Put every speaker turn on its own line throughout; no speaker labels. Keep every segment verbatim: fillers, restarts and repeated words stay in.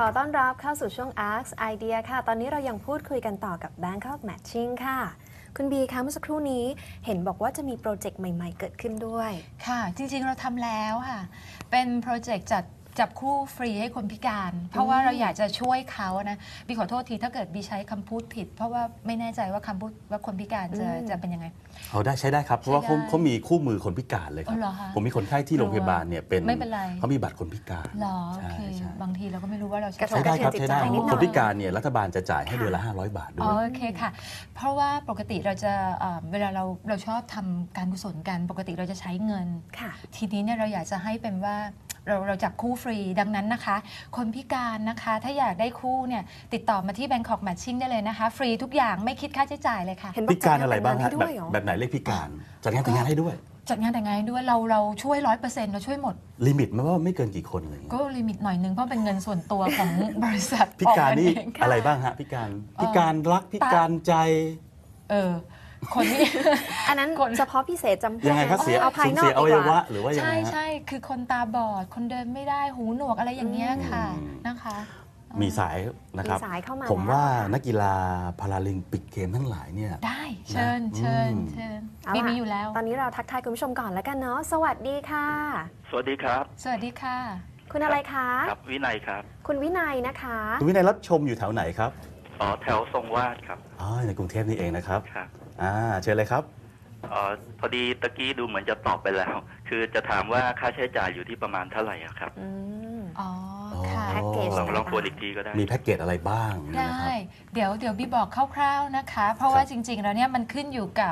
อต้อนรับเข้าสู่ช่วง Ask Idea ค่ะตอนนี้เรายังพูดคุยกันต่อกับ Bangkok Matching ค่ะคุณบีคะเมื่อสักครู่นี้เห็นบอกว่าจะมีโปรเจกต์ใหม่ๆเกิดขึ้นด้วย
ค่ะจริงๆเราทำแล้วค่ะเป็นโปรเจกต์จัดจับคู่ฟรีให้คนพิการ เพราะว่าเราอยากจะช่วยเขานะบีขอโทษทีถ้าเกิดบีใช้คำพูดผิดเพราะว่าไม่แน่ใจว่าคำพูดว่าคนพิการจะจะเป็นยังไง
เอาได้ใช้ได้ครับเพราะว่าเขาเขามีคู่มือคนพิการเลยครับผมมีคนไข้ที่โรงพยาบาลเนี่ยเป็นเขามีบัตรคนพิการ
หรอโอเคบางทีเราก็ไม่รู้ว่าเรา
ใช้ได้ครับใช้ได้คนพิการเนี่ยรัฐบาลจะจ่ายให้เดือนละห้าร้อยบาทด้วย
โอเคค่ะเพราะว่าปกติเราจะเวลาเราเราชอบทำการกุศลกันปกติเราจะใช้เงินทีนี้เนี่ยเราอยากจะให้เป็นว่าเราเราจับคู่ฟรีดังนั้นนะคะคนพิการนะคะถ้าอยากได้คู่เนี่ยติดต่อมาที่ Bangkok Matching ได้เลยนะคะฟรีทุกอย่างไม่คิดค่าใช้จ่ายเลยค่ะ
พิการอะไรบ้างฮะแบบแบบไหนเรียกพิการจัดงานแต่งงานให้ด้วย
จัดงานแต่งงานให้ด้วยเราเราช่วยร้อยเปอร์เซ็นต์เราช่วยหมด
ลิมิตมันว่าไม่เกินกี่คนเลย
ก็ลิมิตหน่อยนึงเพราะเป็นเงินส่วนตัวของบริษัท
พิการนี่อะไรบ้างฮะพิการพิการรักพิการใจ
เออคนนี้
อันนั้นเฉพาะพิเศษจำเพาะ
ยังไงครับเสีย
เอาภายนอก
อวัยวะหรือว่ายังไง
ใช่ใช่คือคนตาบอดคนเดินไม่ได้หูหนวกอะไรอย่างเงี้ยค่ะนะคะ
มีสายนะครับผมว่านักกีฬาพาราลิมปิกเกมทั้งหลายเนี่ย
ได้เชิญเชิญเชิญมีมีอยู่แล้ว
ตอนนี้เราทักทายคุณผู้ชมก่อนแล้วกันเนาะสวัสดีค่ะ
สวัสดีครับ
สวัสดีค่ะ
คุณอะไรคะ
ครับวินัยครับ
คุณวินัยนะคะ
คุณวินัยรับชมอยู่แถวไหนครับ
อ๋อแถวทรงวาดครับ
อ๋อในกรุงเทพนี่เองนะครับ
ครับ
อ่าเชิญเลยครับ
อ๋อพอดีตะกี้ดูเหมือนจะตอบไปแล้วคือจะถามว่าค่าใช้จ่ายอยู่ที่ประมาณเท่าไหร่ครับ
อ๋อค่ะ
แพ็กเกจ
ลองลองทวนอีกทีก็ได้
มีแพ็กเกจอะไรบ้าง
ได้เดี๋ยวเดี๋ยวบีบอกคร่าวๆนะคะเพราะว่าจริงๆแล้วเนี่ยมันขึ้นอยู่กับ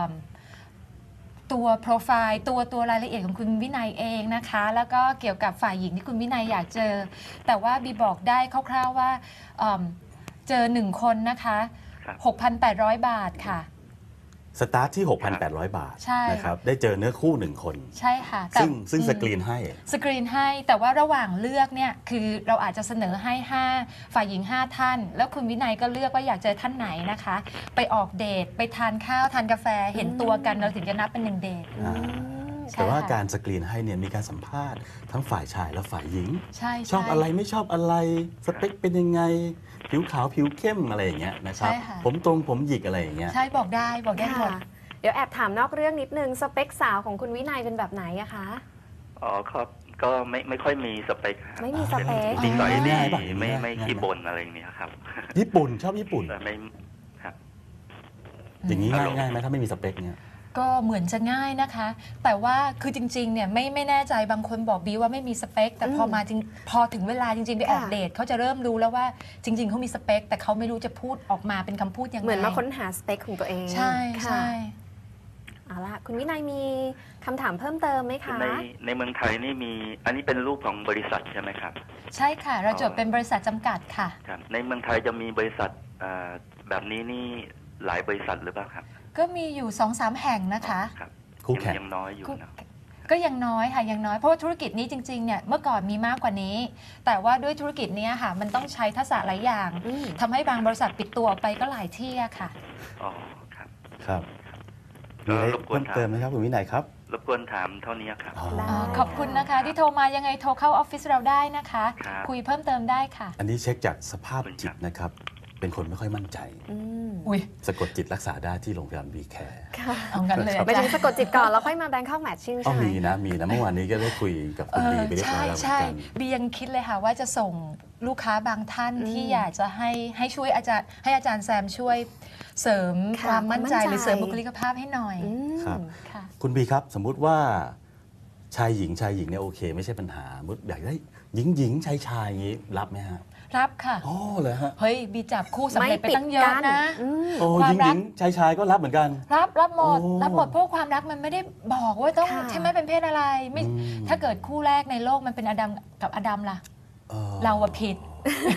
ตัวโปรไฟล์ตัวตัวรายละเอียดของคุณวินัยเองนะคะแล้วก็เกี่ยวกับฝ่ายหญิงที่คุณวินัยอยากเจอแต่ว่าบีบอกได้คร่าวๆว่าเจอหนึ่งคนนะคะ หกพันแปดร้อย บาทค่ะ
สตาร์ทที่ หกพันแปดร้อย บาทนะครับได้เจอเนื้อคู่หนึ่งคน
ใช่ค่ะ
ซึ่งซึ่งสกรีนให้
สกรีนให้แต่ว่าระหว่างเลือกเนี่ยคือเราอาจจะเสนอให้ห้าฝ่ายหญิงห้าท่านแล้วคุณวินัยก็เลือกว่าอยากเจอท่านไหนนะคะไปออกเดทไปทานข้าวทานกาแฟเห็นตัวกันเราถึงจะนับเป็นหนึ่งเดท
แต่ว่าการสกรีนให้เนี่ยมีการสัมภาษณ์ทั้งฝ่ายชายและฝ่ายหญิง
ช
อบอะไรไม่ชอบอะไรสเปคเป็นยังไงผิวขาวผิวเข้มอะไรอย่างเงี้ยนะครับผมตรงผมหยิกอะไรอย่างเงี้ย
ใช่บอกได้บอกได้หมด
เดี๋ยวแอบถามนอกเรื่องนิดนึงสเปคสาวของคุณวินัยเป็นแบบไหนอะคะ
อ๋อครับก็ไม่ไม่ค่อยมีสเปค
ไม่มีสเปค
นิสัยดีไม่ไม่ขี้บ่นอะไรอย่างเงี้ยครับ
ญี่ปุ่นชอบญี่ปุ่น
ไม่ครับ
อย่างนี้ง่ายง่ายไหมถ้าไม่มีสเปคเนี่ย
ก็เหมือนจะง่ายนะคะแต่ว่าคือจริงๆเนี่ยไม่ไม่แน่ใจบางคนบอกบีว่าไม่มีสเปคแต่พอมาจริงพอถึงเวลาจริงๆไปออกเดทเขาจะเริ่มรู้แล้วว่าจริงๆเขามีสเปคแต่เขาไม่รู้จะพูดออกมาเป็นคำพูดยังไง
เหมือนมาค้นหาสเปคของตัวเอง
ใช่ใช่
เอาล่ะคุณวินัยมีคำถามเพิ่มเติมไหมคะ
ในในเมืองไทยนี่มีอันนี้เป็นรูปของบริษัทใช่ไหมครับ
ใช่ค่ะเราจดเป็นบริษัทจำกัดค่ะ
ครับในเมืองไทยจะมีบริษัทแบบนี้นี่หลายบริษัทหรือเปล่าครับ
ก็มีอยู่ สองสาม แห่งนะคะ
คู่แข่ง
ยังน้อยอยู่นะ
ก็ยังน้อยค่ะยังน้อยเพราะว่าธุรกิจนี้จริงๆเนี่ยเมื่อก่อนมีมากกว่านี้แต่ว่าด้วยธุรกิจนี้ค่ะมันต้องใช้ทักษะหลายอย่างทำให้บางบริษัทปิดตัวไปก็หลายที่ค่ะ
อ๋อครับ
ครับมีอะไรเพิ่มเติมไหมครับคุณวินัยครับ
รบกวนถามเท่านี้ครับ
ขอบคุณนะคะที่โทรมายังไงโทรเข้าออฟฟิศเราได้นะคะคุยเพิ่มเติมได้ค่ะ
อันนี้เช็คจากสภาพจิตนะครับเป็นคนไม่ค่อยมั่นใจสะกดจิตรักษาได้ที่โรงพยาบาลวีแคร์
เอางั้นเลย
ไปถึงสะกดจิตก่อนแล้วค่อยมา Bangkok Matching ใช่ไหม
มีนะมีนะเมื่อวานนี้ก็ได้คุยกับคุณบีไปเรียบร้อยแล้วเหมือนกัน
บียังคิดเลยค่ะว่าจะส่งลูกค้าบางท่านที่อยากจะให้ให้ช่วยอาจารย์ให้อาจารย์แซมช่วยเสริมความมั่นใจหรือเสริมบุคลิกภาพให้หน่อย
ครับคุณบีครับสมมุติว่าชายหญิงชายหญิงเนี่ยโอเคไม่ใช่ปัญหามุดอยากได้หญิงหญิงชายชายอย่างนี้รับไหมฮะ
รับค่ะ
อ๋อเหรอฮะ
เฮ้ยบีจับคู่สำเร็จไปตั้งเยอะนะ
โอ้หญิงหญิงชายชายก็รับเหมือนกัน
รับรับหมดรับหมดเพราะความรักมันไม่ได้บอกว่าต้องใช่ไหมเป็นเพศอะไรไม่ถ้าเกิดคู่แรกในโลกมันเป็นอดัมกับอดัมล่ะเราอะผิด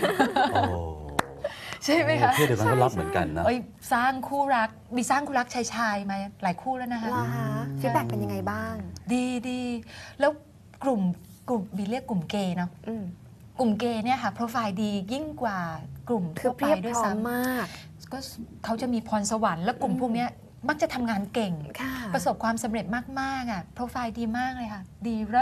ใช่ไหมคะ
เพศเดียวกันก็รับเหมือนกันนะ
สร้างคู่รักบีสร้างคู่รักชายชายมาหลายคู่แล้วนะคะ
ฟีดแบ็กเป็นยังไงบ้าง
ดีดีแล้วกลุ่มกลุ่มบีเรียกกลุ่มเกย์เนาะกลุ่มเกย์เนี่ยค่ะโปรไฟล์ดียิ่งกว่ากลุ่มทั่วไปด้วยซ้ำ
มาก
ก็เขาจะมีพรสวรรค์และกลุ่มพวกนี้มักจะทำงานเก่งประสบความสำเร็จมากๆอ่ะโปรไฟล์ดีมากเลยค่ะดีเลิศ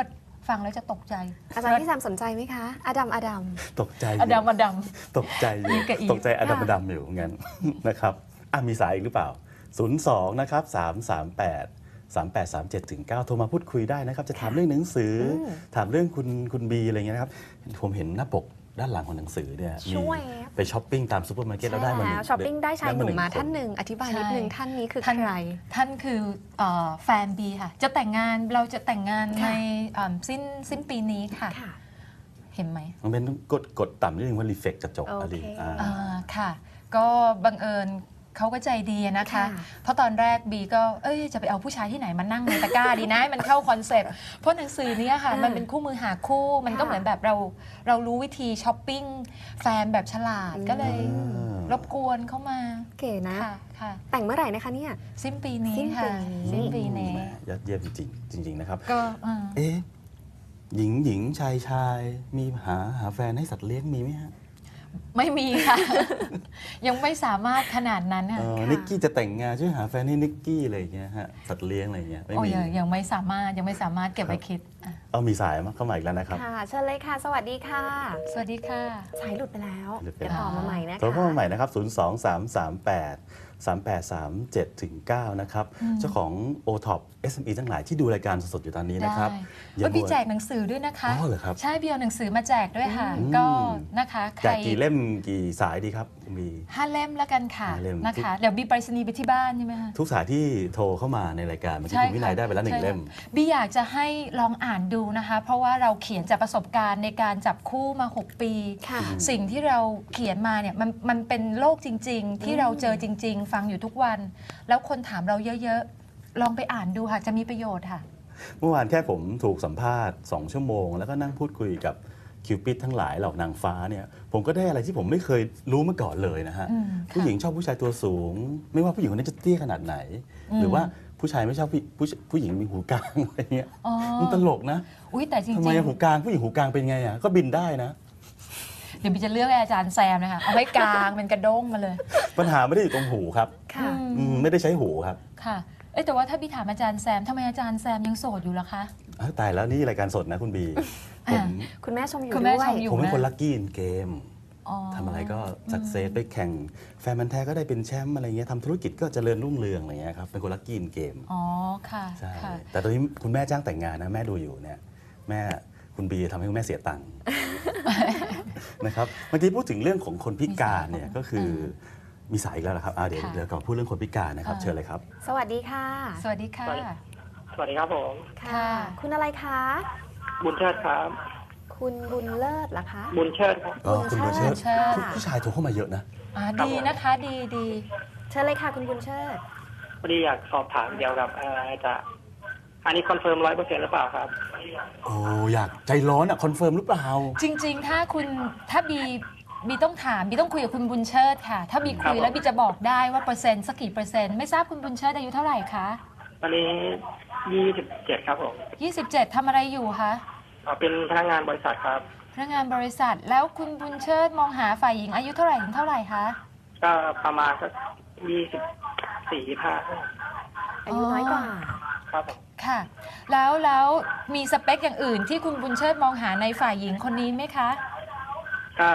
ฟังแล้วจะตกใจ
อาจารย์พี่แซมสนใจไหมคะอดัมอดัม
ตกใจอ
อยู่ ดัมอดัม
ตกใจอยู่
อีกกับอีก
ตกใจอดัมอดัมอยู่งั้น นะครับอ่ะมีสายอีกหรือเปล่า ศูนย์ สอง นะครับ สาม สาม แปด สาม แปด สาม เจ็ด ถึง เก้า โทรมาพูดคุยได้นะครับ จะถามเรื่องหนังสืออ
ม
ถามเรื่องคุณคุณบีอะไรเงี้ยนะครับ ผมเห็นหน้าปกด้านหลังของหนังสือเนี่ยมี
ช่วย
ไปช้อปปิ้งตามซูเปอร์มาร์เก็ตแล้วได้มาหนึ่
แล้ว
ง
ช้อปปิ้งได้ชายหนุ่ม
ง
มา
ค
ท่านหนึ่งอธิบายนิดนึง
ใช่
ท่านนี้คือ
ท่าน
ใคร
ท่านคือเอ่อแฟนบีค่ะ จะแต่งงานเราจะแต่งงาน
ค่ะ
ในเอิ่มสิ้นสิ้นปีนี้ค่ะ
ค่ะ
เห็นไหม
มันเป็นกดกดต่ำนิดนึงว่ารีเฟกกระจก
โอ
อะไร
เค
อ่า
อ่าค่ะ ก็บังเอิญเขาก็ใจดีนะคะ
ค่ะ
เพราะตอนแรกบีก็เอ้ยจะไปเอาผู้ชายที่ไหนมานั่งในตะกร้าดีนะให้มันเข้าคอนเซ็ปต์เพราะหนังสือเนี้ค่ะ
อ่ามั
มันเป็นคู่มือหาคู่ มันก็
ค่ะ
เหมือนแบบเราเรารู้วิธีช้อปปิ้งแฟนแบบฉลาด
อืม
ก็เลยรบกวนเข้ามา
เก๋นะ
ค่ะค่ะ
แต่งเมื่อไหร่นะคะเนี่ย
สิ้นปีนี้
สิ้นปี
ค่ะ
นี้
สิ้นปีนี้
แหมยอดเยี่ยมจริงๆจริง ๆ นะครับ
ก็อ่า
เอ๊ะหญิงหญิงชายชายมีหาหาแฟนให้สัตว์เลี้ยงมีไหมฮะ
ไม่มีค่ะ ยังไม่สามารถขนาดนั้น
เอ
ค่ะ
อ
ค่ะ
นิกกี้จะแต่งงานช่วยหาแฟนให้นิกกี้อะไรอย่างเงี้ยฮะสัตว์เลี้ยงอะไรอย่างเงี้ยไม่
โอ้
มี
ยังยังไม่สามารถยังไม่สามารถเก็บไว้คิดอ่ะ
เอามีสายมาเข้ามาอีกแล้วนะครับ
ค่ะเชิญเลยค่ะ สวัสดีค่ะ
สวัสดีค่ะ
สายหลุดไปแล้ว
หลุดไป
เดี๋ยว
แล้ว
ต่อมาใหม่นะคะ
โทรเข้ามาใหม่นะครับ ศูนย์ สอง สาม สาม แปด สาม แปด สาม เจ็ด ถึง เก้า นะครับ
อืม
เจ้าของ โอ ท็อป เอส เอ็ม อี ทั้งหลายที่ดูรายการสดๆอยู่ตอนนี้นะครับ
ได้ว่าพี่แจกหนังสือด้วยนะคะ
อ๋อเหรอครับ
ใช่พี่เอาหนังสือมาแจกด้วยค่ะ
อืม
ก็นะคะใค
แจ
ร
กกี่เล่มกี่สายดีครับคุณบี
ห้าเล่มแล้วกันค่ะ
ห้าเล่ม
นะคะเดี๋ยวบีไปรษณีย์ไปที่บ้านใช่ไหมคะ
ทุกสายที่โทรเข้ามาในรายการเมื่อกี้คุณวินัยได้ไปแล้วหนึ่ง
ใช่ค่ะ
เล่ม
บีอยากจะให้ลองอ่านดูนะคะ เพราะว่าเราเขียนจากประสบการณ์ในการจับคู่มา หก ปี
ค่ะ
สิ่งที่เราเขียนมาเนี่ยมันมันเป็นโลกจริง ๆ ที่เราเจอจริง ๆ ฟังอยู่ทุกวัน แล้วคนถามเราเยอะๆ ลองไปอ่านดูค่ะ จะมีประโยชน์ค่ะ
เมื่อวานแค่ผมถูกสัมภาษณ์สองชั่วโมง แล้วก็นั่งพูดคุยกับคิวปิดทั้งหลายเหล่านางฟ้าเนี่ยผมก็ได้อะไรที่ผมไม่เคยรู้มาก่อนเลยนะฮะ
อืม
ผู้หญิงชอบผู้ชายตัวสูง ไม่ว่าผู้หญิงคนนั้นจะเตี้ยขนาดไหน
อืม
หรือว่าผู้ชายไม่ชอบผู้ผู้ผู้หญิงมีหูกลางอะไรเงี้ย
อ๋อ
มันตลกนะ
อุ้ยแต่จริง
ทำไมอะหูกลางผู้หญิงหูกลางเป็นไงอ่ะก็บินได้นะ
ๆ เดี๋ยวบีจะเลือกให้อาจารย์แซมนะคะ เอาไว้กลางเป็นกระด้งมาเลย
ปัญหาไม่ได้อยู่ตรงหูครับ
ค่ะ
อืม
อืมไม่ได้ใช้หูครับ
ค่ะ เอ้ยแต่ว่าถ้าบีถามอาจารย์แซมทำไมอาจารย์แซมยังโสดอยู่ล่ะคะ
อ้าวตายแล้วนี่รายการสดนะคุณบีผ
อ่า
ม
คุณแม่ชมอยู่
คุณแม่
ด้วย
ชมอยู่
ผมเป็น
นะ
คนลัคกี้อินเกม
อ๋อ
ทำอะไรก็สักเซสไปแข่งแฟนมันธุ์แท้ก็ได้เป็นแชมป์อะไรเงี้ยทำธุรกิจก็เจริญรุ่งเรืองอะไรเงี้ยครับเป็นคนลัคกี้อินเกม
อ๋อค่ะ
ใช่
ค่ะ
แต่ตอนนี้คุณแม่จ้างแต่งงานนะแม่ดูอยู่เนี่ยแม่คุณบีทำให้คุณแม่เสียตังค์ นะครับเมื่อกี้พูดถึงเรื่องของคนพิการเนี่ยก็คือมีสายอีกแล้วนะครับอ่าเดี๋ยว
ค่ะ
เดี๋ยวก่อนพูดเรื่องคนพิการนะครับ
อ่า
เชิญเลยครับ
สวัสดีค่ะ
สวัสดีค่ะ
สวัสดีครับผม
ค่ะ คุณอะไรคะ
บุญเชิดครับ
คุณบุญเลิศเหรอคะ
บุญเชิดครับ
อ๋อคุณบุญเชิด
เชิด
ผู้ผู้ชายโทรเข้ามาเยอะนะ
อ่าดีนะคะดีดี
เชิญเลยค่ะคุณบุญเชิด
พอดีอยากสอบถามเกี่ยวกับเอ่อจะอันนี้คอนเฟิร์มร้อยเปอร์เซ็นต์หรือเปล่าครับ
โอ้อยากใจร้อนอ่ะคอนเฟิร์มหรือเปล่า
จริงๆ ถ้าคุณถ้าบีบีต้องถามบีต้องคุยกับคุณบุญเชิดค่ะ ถ้าบีคุยแล้วบีจะบอกได้ว่าเปอร์เซ็นต์สักกี่เปอร์เซ็นต์ไม่ทราบคุณบุญเชิดอายุเท่าไหร่คะ
ตอนนี้ยี่สิบเจ็ดครับผม
ยี่สิบเจ็ดทำอะไรอยู่คะ
อ่าเป็นพนักงานบริษัทครับ
พนักงานบริษัทแล้วคุณบุญเชิดมองหาฝ่ายหญิงอายุเท่าไหร่ถึงเท่าไหร่คะ
ก็ประมาณสักยี่สิบสี่ห้า
อายุน้อยกว่า
ครับผม
ค่ะ แล้วแล้วมีสเปคอย่างอื่นที่คุณบุญเชิดมองหาในฝ่ายหญิงคนนี้ไหมคะ
ก็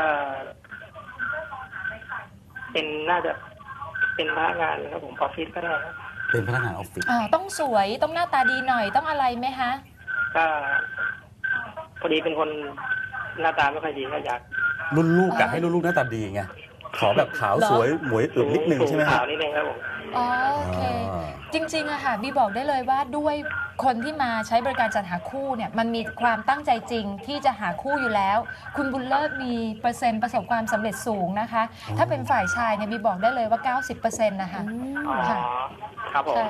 เป็นน่าจะเป็นพนักงานครับผมออฟฟิศก็ได้ครับ
เป็นพนักงานออฟฟิศ
อ่าต้องสวยต้องหน้าตาดีหน่อยต้องอะไรไหมคะ
ก็พอดีเป็นคนหน้าตาไม่ค่อยดีก็อยาก
รุ่นลูกกะให้รุ่นลูกหน้าตาดีไงขอแบบขาวสวยหมวยอึดนิดนึงใช่ไหม
สู
ฮะ
ขาวนิดนึงครับผม
อ๋อโอเค
อ่า
จริงๆอะค่ะบีบอกได้เลยว่าด้วยคนที่มาใช้บริการจัดหาคู่เนี่ยมันมีความตั้งใจจริงที่จะหาคู่อยู่แล้ว คุณบุญเลิศมีเปอร์เซ็นต์ประสบความสำเร็จสูงนะคะ ถ้าเป็นฝ่ายชายเนี่ยบีบอกได้เลยว่า เก้าสิบเปอร์เซ็นต์ นะคะ
อืม
อ๋อ
ค่ะ
ครับผม
ใช่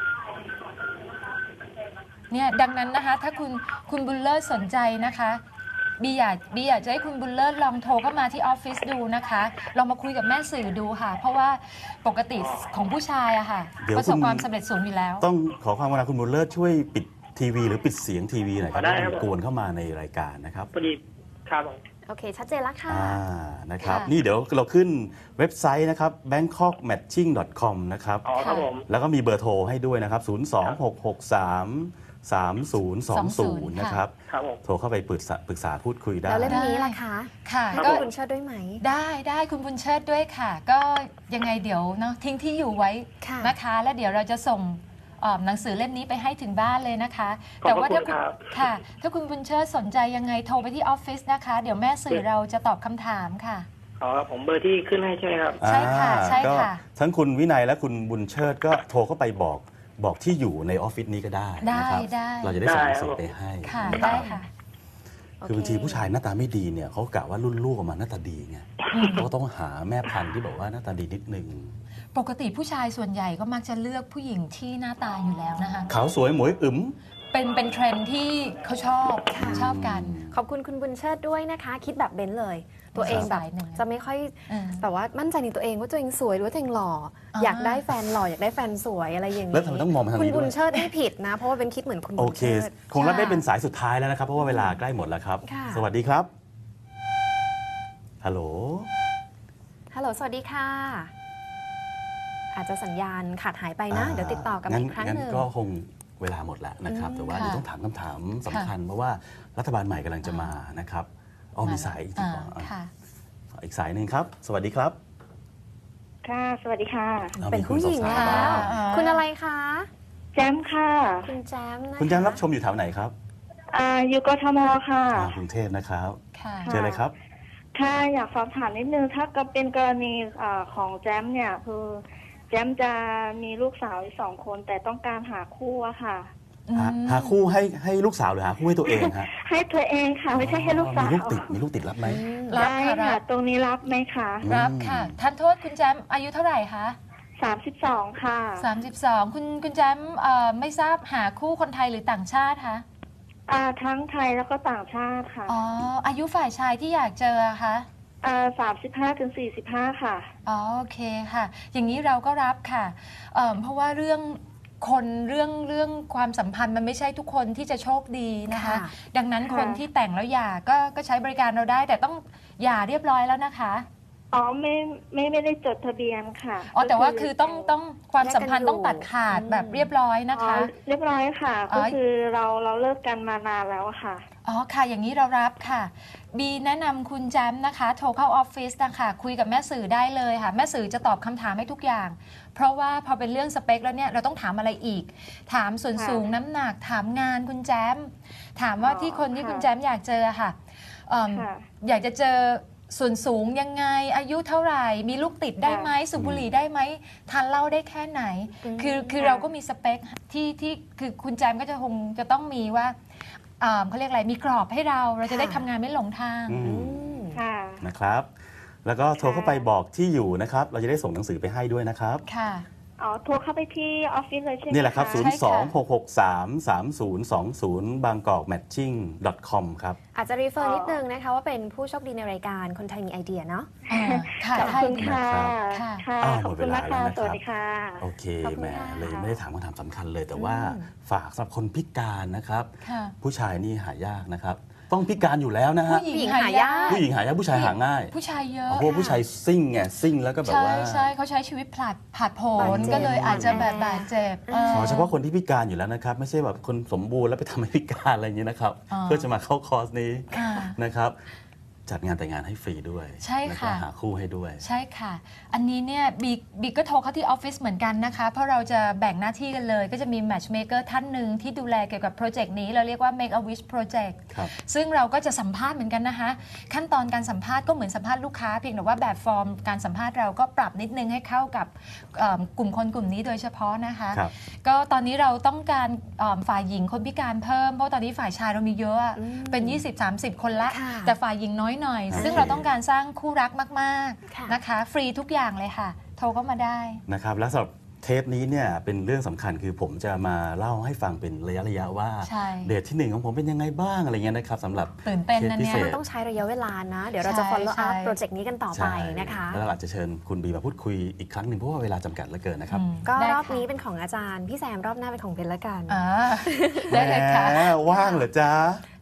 เนี่ยดังนั้นนะคะ ถ้าคุณคุณบุญเลิศสนใจนะคะบีอยากบีอยากจะให้คุณบุญเลิศลองโทรเข้ามาที่ออฟฟิศดูนะคะลองมาคุยกับแม่สื่อดูค่ะ เพราะว่าปกติของผู้ชายอะค่ะ
เดี๋ยว
ประสบ
คุณ
ความสำเร็จสูงอยู่แล้ว
ต้องขอความกรุณาคุณบุญเลิศช่วยปิดทีวีหรือปิดเสียงทีวีหน่อยครับ
ได้
ไม่
ครับ
ต้องกวนเข้ามาในรายการนะครับ
พอดีครับผม
โอเค ชัดเจนแล้วค่ะ
อ่านะครับ
ค่ะ
นี่เดี๋ยวเราขึ้นเว็บไซต์นะครับ แบงคอกแมทชิ่ง ดอท คอม นะครับ
อ๋อครับผม
แล้วก็มีเบอร์โทรให้ด้วยนะครับ ศูนย์ สอง หก หก สามสามศูนย์สองศูนย์ นะครับ
ครับผม
โทรเข้าไปปรึกษาปรึกษาพูดคุยได้
แล้วเล่มนี้ล่ะคะ
ค่ะ
ให้
ก็
คุณเชิดด้วยไหม
ได้ได้คุณบุญเชิดด้วยค่ะ ก็ยังไงเดี๋ยวเนาะทิ้งที่อยู่ไว้
ค่ะ
นะคะ แล้วเดี๋ยวเราจะส่งเอ่อหนังสือเล่มนี้ไปให้ถึงบ้านเลยนะคะ
ขอบ
แต่
พระ
ว่าถ้า
คุณครับ
ค่ะ ถ้าคุณบุญเชิดสนใจยังไงโทรไปที่ออฟฟิศนะคะ เดี๋ยวแม่สื่อเราจะตอบคำถามค่ะ
อ๋อผมเบอร์ที่ขึ้นให้ใช่ไหมครับ
ใช่ค่ะ
อ่า
ใช่ค่ะ
ก็ทั้งคุณวินัยและคุณบุญเชิดก็โทรเข้าไปบอกบอกที่อยู่ในออฟฟิศนี้ก็ได้
ได้
นะครับ
ได้
เราจะได้ส่งหนังสือ
ได้
ไปให้
ค่ะ
นะ
ได้
รับ
ค่ะ
คือบางทีผู้ชายหน้าตาไม่ดีเนี่ยเขากะว่ารุ่นลูกออกมาหน้าตาดีไงเขาก็ต้องหาแม่พันธุ์ที่บอกว่าหน้าตาดีนิดนึง
ปกติผู้ชายส่วนใหญ่ก็มักจะเลือกผู้หญิงที่หน้าตาอยู่แล้วนะคะ
ขาวสวยหมวยอึม
เป็นเป็นเทรนด์ที่เขาชอบชอบกัน
ขอบคุณคุณบุญเชิดด้วยนะคะ คิดแบบเบนซ์เลย ตัวเองแบบ
สายหนึ่ง
จะไม่ค่อย
เออ
แบบว่ามั่นใจในตัวเองว่าตัวเองสวยหรือว่าตัวเองหล่ออา อยากได้แฟนหล่ออยากได้แฟนสวยอะไรอย่างนี้
แล้วทำไมต้องมองมาทาง
คุณ
นี้
บุ
ด้
ญ
วย
เชิดไม่ผิดนะ เพราะว่าเป็นคิดเหมือนคุณ
โอ
บุญ
เค
เชิด
คงรับได้เป็นสายสุดท้ายแล้วนะครับ เพราะว่าเวลาใกล้หมดแล้วครับ
ค่ะ
สวัสดีครับฮัลโหล
ฮัลโหลสวัสดีค่ะ อาจจะสัญญาณขาดหายไปนะ เดี๋ยวติดต่อกันอีกครั้ง
งั้น
หนึ่ง
ก็คงเวลาหมดแล้วนะครับ
อืม
แต่ว่า
ค่ะ
เดี๋ยวต้องถามคำถามสำคัญเพราะว่ารัฐบาลใหม่กำลังจะมานะครับอ๋อมีสายอีกที
อ่า
ก่อนอ่ะ
ค่ะ
อีกสายหนึ่งครับ สวัสดีครับ
ค่ะ สวัสดีค่ะ
อา
เป็น
มี
ผู้หญิง
สา
ค่ะ
วๆบ้าง
อ่า
คุณอะไรคะ
แจมค่ะ
คุณแจมนะคะ
คุณแจมรับชมอยู่แถวไหนครับ
อ่าอยู่กทมค่ะ
อ่ากรุงเทพนะครับ
ค่ะ
เจอเลยครับ
ค่ะ อยากสอบถามนิดนึง ถ้าก็เป็นกรณีอาของแจมเนี่ย คือแจมจะมีลูกสาวอีกสองคน แต่ต้องการหาคู่อะค่ะ
หา
อืม
หาคู่ให้ให้ลูกสาวหรือหาคู่ให้ตัวเองฮะ
ให้ตัวเองค่ะ ไม่ใช่ให้ลูกสาว
มีลูกติดมีลูกติดรับไหม
อืม
รับ
ได้
ค่ะรั
ค่ะ
บ
ตรงนี้รับไหมคะ
อืม
รับค่ะท่านโทษคุณแจมอายุเท่าไหร่คะ
สามสิบสองค่ะ
สามสิบสองคุณคุณแจมเอ่อไม่ทราบหาคู่คนไทยหรือต่างชาติคะ
อ่าทั้งไทยแล้วก็ต่างชาติค่ะ
อ๋ออายุฝ่ายชายที่อยากเจอคะ
อ่าสามสิบห้าถึงสี่สิบห้าค่ะ
อ๋อโอเคค่ะ อย่างนี้เราก็รับค่ะเอ่อเพราะว่าเรื่องคนเรื่องเรื่องความสัมพันธ์มันไม่ใช่ทุกคนที่จะโชคดีนะคะ
ค่ะ
ดังนั้น
ค่ะ
คนที่แต่งแล้วหย่าก็ก็ใช้บริการเราได้ แต่ต้องหย่าเรียบร้อยแล้วนะคะ
อ๋อไม่ไม่ไม่ได้จดทะเบียนค่ะ
อ๋อแต่ว่าคือต้องต้องความสัมพันธ์ต้องตัดขาด
อืม
แบบเรียบร้อยนะ
อ๋อ
คะ
เรียบร้อยค่ะ
อ๋อ
ก็คือเราเราเลิกกันมานานแล้วอะค่ะ
อ๋อค่ะ อย่างนี้เรารับค่ะ บีแนะนำคุณแจมนะคะ โทรเข้าออฟฟิศนะคะคุยกับแม่สื่อได้เลยค่ะ แม่สื่อจะตอบคำถามให้ทุกอย่าง เพราะว่าพอเป็นเรื่องสเปคแล้วเนี่ยเราต้องถามอะไรอีก ถามส่วน
ค่ะ
สูงน้ำหนักถามงานคุณแจม ถามว่า
อ๋อ
ที่คนที่
ค่ะ
คุณแจมอยากเจอค่ะเอิ่ม
ค่ะ
อยากจะเจอส่วนสูงยังไงอายุเท่าไหร่ มีลูกติดได้ไหมสูบบุหรี่ได้ไหมทานเหล้าได้แค่ไหน
อืม
คือคือ
ค่ะ
เราก็มีสเปคที่ที่คือคุณแจมก็จะคงจะต้องมีว่าอ่าเขาเรียกอะไรมีกรอบให้เราเราจะได้ทำงานไม่หลงทาง
อื
อื
ม
ม
ค่ะ
นะครับ แล้วก็โทรเข้าไปบอกที่อยู่นะครับ เราจะได้ส่งหนังสือไปให้ด้วยนะครับ
ค่ะ
อ๋อ โทรเข้าไปที่ออฟฟิศเลยใช่ไหม
นี่แหละครับ
ะ
ศูนย์ สอง หก หก สาม สาม ศูนย์ สอง ศูนย์ บางกอกแมทชิ่ง .com ครับ
อาจจะรีเฟอร์นิดนึงนะคะว่าเป็นผู้โชคดีในรายการคนไทยมีไอเดียเนาะ
อ่าค่ะ
ขอบ
ใช่
คุณ
ดี
ค่ะ
ค่ะ
ค่ะ
อ้าว
ขอบคุณ
หมดเวลา
นะคะ
แล้วนะครับ
สวัสดีค่ะ
โอเค
ขอบคุณ
แหม
ค่ะ
เลยไม่ได้ถามคำถามสำคัญเลย แต่ว่า
อืม
ฝากสำหรับคนพิการนะครับ
ค่ะ
ผู้ชายนี่หายากนะครับ ต้องพิการอยู่แล้วนะฮะ
ผู้หญิงหายาก
ผู้หญิงหายากผู้ชายหาง่าย
ผู้ชายเยอะ
เพราะว่าผู้ชายซิ่งไงซิ่งแล้วก็แบบ
ใช่
ว่า
ใช่เขาใช้ชีวิตผลัดผาดโผ
บาด
น
เจ็บ
ก็เลยอาจจะแบบบาดเจ็บ
อ่า
ขอเฉพาะคนที่พิการอยู่แล้วนะครับ ไม่ใช่แบบคนสมบูรณ์แล้วไปทำให้พิการอะไรอย่างนี้นะครับ
อ่า
เพื่อจะมาเข้าคอร์สนี้
อ่า
นะครับ จัดงานแต่งงานให้ฟรีด้วย
ใช่
แล้วก็
ค่ะ
หาคู่ให้ด้วย
ใช่ค่ะ อันนี้เนี่ยบีบีก็โทรเข้าที่ออฟฟิศเหมือนกันนะคะ เพราะเราจะแบ่งหน้าที่กันเลย ก็จะมี matchmaker ท่านหนึ่งที่ดูแลเกี่ยวกับโปรเจกต์นี้ เราเรียกว่า make a wish project
ครับ
ซึ่งเราก็จะสัมภาษณ์เหมือนกันนะคะ ขั้นตอนการสัมภาษณ์ก็เหมือนสัมภาษณ์ลูกค้าเพียงแต่ว่าแบบฟอร์มการสัมภาษณ์เราก็ปรับนิดนึงให้เข้ากับเอิ่มกลุ่มคนกลุ่มนี้โดยเฉพาะนะคะ
ครับ
ก็ตอนนี้เราต้องการเอิ่มฝ่ายหญิงคนพิการเพิ่ม เพราะตอนนี้ฝ่ายชายเรามีเยอะอะ
อืม
เป็น ยี่สิบ สามสิบ คนละ
ค่ะ
แต่ฝ่ายหญิงน้อยหน่อย
โอเค
ซึ่งเราต้องการสร้างคู่รักมาก
ค่ะ
ๆนะคะ ฟรีทุกอย่างเลยค่ะ โทรก็มาได้
นะครับแล้วสำหรับเทปนี้เนี่ยเป็นเรื่องสำคัญคือผมจะมาเล่าให้ฟังเป็นระยะระยะๆว่า
ใช่
เดทที่หนึ่งของผมเป็นยังไงบ้างอะไรเงี้ยนะครับสำหรับ
ตื่นเต้นนะ
ทปพิ
เนี่ย
ศษ
มันต้องใช้ระยะเวลานะ เดี๋ยวเราจะ
ใช่
follow
ใช่
up โปรเจกต์นี้กันต่อไป
ใช่
นะคะ
แล้วเราอาจจะเชิญคุณบีมาพูดคุยอีกครั้งหนึ่งเพราะว่าเวลาจำกัดเหลือเกินนะครับ
อืม
ก็
ได้
รอบ
ค่ะ
นี้เป็นของอาจารย์ พี่แซมรอบหน้าเป็นของเบนละกัน
อ่าได้เลยค่ะ
แหมว่างเหรอจ๊ะ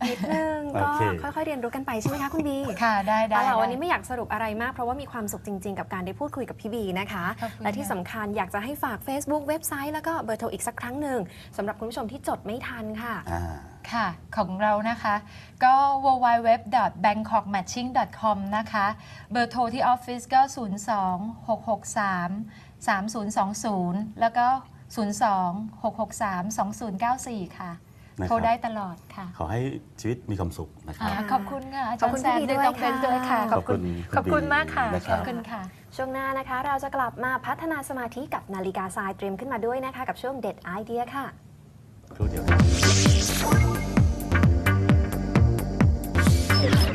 นิดนึง
โอ
ก็
เค
ค่อยๆเรียนรู้กันไปใช่ไหมคะคุณบี
ค่ะได้ได้
เอาล่ะวันนี้
ได้
ไม่อยากสรุปอะไรมากเพราะว่ามีความสุขจริง ๆ กับการได้พูดคุยกับพี่บีนะคะ
ขอบคุณ
และที่
ค่ะ
สำคัญอยากจะให้ฝาก Facebook เว็บไซต์แล้วก็เบอร์โทรอีกสักครั้งหนึ่งสำหรับคุณผู้ชมที่จดไม่ทันค่ะ
อ่า
ค่ะของเรานะคะก็ ดับเบิลยู ดับเบิลยู ดับเบิลยู ดอท แบงคอกแมทชิ่ง ดอท คอม นะคะ เบอร์โทรที่ออฟฟิศก็ ศูนย์ สอง หก หก สาม สาม ศูนย์ สอง ศูนย์ แล้วก็ ศูนย์ สอง หก หก สาม สอง ศูนย์ เก้า สี่ ค่ะ
นะครับ
โทรได้ตลอดค่ะ
ขอให้ชีวิตมีความสุขนะครับ
อ่าขอบคุณค่ะอา
ข
จา
อบ
ร
คุณ
ย์แซม
พี่บี
ด้วย
ด้วย
น้องเบน
ค่ะ
ด้วยค่ะ
ขอบคุณ
ขอบคุณมากค่ะ
นะค
ข
รั
อบ บคุณค่ะ ช่
วงหน้านะคะเราจะกลับมาพัฒนาสมาธิกับนาฬิกาทรายเตรียมขึ้นมาด้วยนะคะกับช่วงเด็ดไอเดียค่ะ
ครู่เดียวครับ